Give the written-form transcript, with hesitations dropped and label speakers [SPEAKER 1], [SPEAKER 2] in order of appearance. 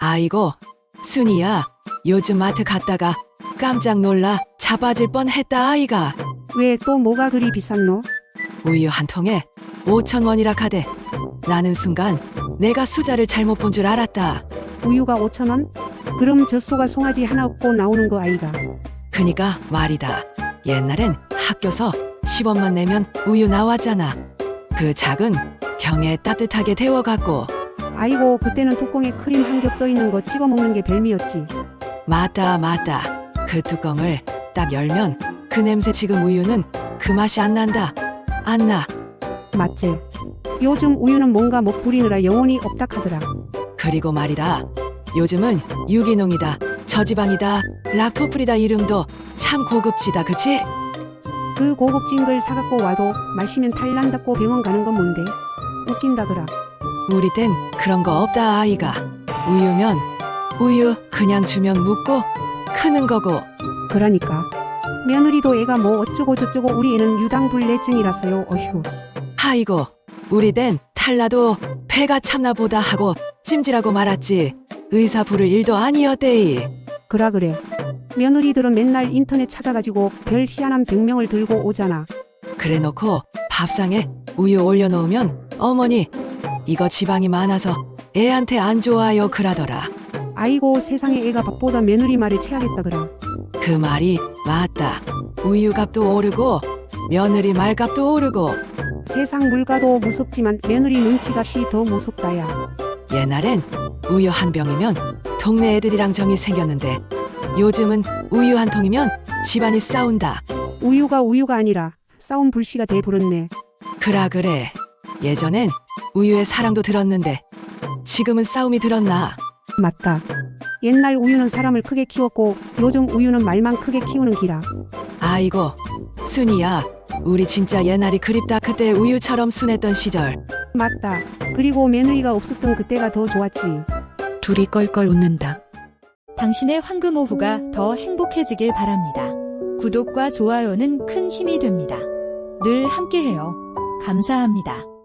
[SPEAKER 1] 아이고, 순이야. 요즘 마트 갔다가 깜짝 놀라 자빠질 뻔했다 아이가.
[SPEAKER 2] 왜 또 뭐가 그리 비쌌노?
[SPEAKER 1] 우유 한 통에 5,000원이라 카대. 나는 순간 내가 숫자를 잘못 본 줄 알았다.
[SPEAKER 2] 우유가 5,000원? 그럼 젖소가 송아지 하나 없고 나오는 거 아이가?
[SPEAKER 1] 그니까 말이다. 옛날엔 학교서 10원만 내면 우유 나왔잖아. 그 작은 병에 따뜻하게 데워갖고.
[SPEAKER 2] 아이고 그때는 뚜껑에 크림 한 겹 떠있는 거 찍어 먹는 게 별미였지.
[SPEAKER 1] 맞다. 그 뚜껑을 딱 열면 그 냄새. 지금 우유는 그 맛이 안 난다. 안 나.
[SPEAKER 2] 맞지? 요즘 우유는 뭔가 못 부리느라 영혼이 없다 카더라.
[SPEAKER 1] 그리고 말이다. 요즘은 유기농이다. 저지방이다. 락토프리다. 이름도 참 고급지다. 그치?
[SPEAKER 2] 그 고급진 걸 사갖고 와도 마시면 탈 난다고 병원 가는 건 뭔데? 웃긴다더라.
[SPEAKER 1] 우리 땐 그런 거 없다 아이가. 우유면 우유 그냥 주면 묻고 크는 거고.
[SPEAKER 2] 그러니까 며느리도 애가 뭐 어쩌고 저쩌고 우리 애는 유당불내증이라서요. 어휴.
[SPEAKER 1] 아이고 우리 땐 탈나도 배가 참나 보다 하고 찜질하고 말았지. 의사 부를 일도 아니었대이.
[SPEAKER 2] 그래. 며느리들은 맨날 인터넷 찾아가지고 별 희한한 병명을 들고 오잖아.
[SPEAKER 1] 그래 놓고 밥상에 우유 올려놓으면 어머니 이거 지방이 많아서 애한테 안 좋아요 그러더라.
[SPEAKER 2] 아이고 세상에 애가 밥보다 며느리 말에 체하겠다 그라.
[SPEAKER 1] 그 말이 맞다. 우유값도 오르고 며느리 말값도 오르고.
[SPEAKER 2] 세상 물가도 무섭지만 며느리 눈치값이 더 무섭다야.
[SPEAKER 1] 옛날엔 우유 한 병이면 동네 애들이랑 정이 생겼는데 요즘은 우유 한 통이면 집안이 싸운다.
[SPEAKER 2] 우유가 아니라 싸움 불씨가 돼 부렀네.
[SPEAKER 1] 그래. 예전엔 우유에 사랑도 들었는데 지금은 싸움이 들었나.
[SPEAKER 2] 맞다. 옛날 우유는 사람을 크게 키웠고 요즘 우유는 말만 크게 키우는 기라.
[SPEAKER 1] 아이고 순이야. 우리 진짜 옛날이 그립다. 그때 우유처럼 순했던 시절.
[SPEAKER 2] 맞다. 그리고 며느리가 없었던 그때가 더 좋았지.
[SPEAKER 3] 둘이 껄껄 웃는다.
[SPEAKER 4] 당신의 황금 오후가 더 행복해지길 바랍니다. 구독과 좋아요는 큰 힘이 됩니다. 늘 함께해요. 감사합니다.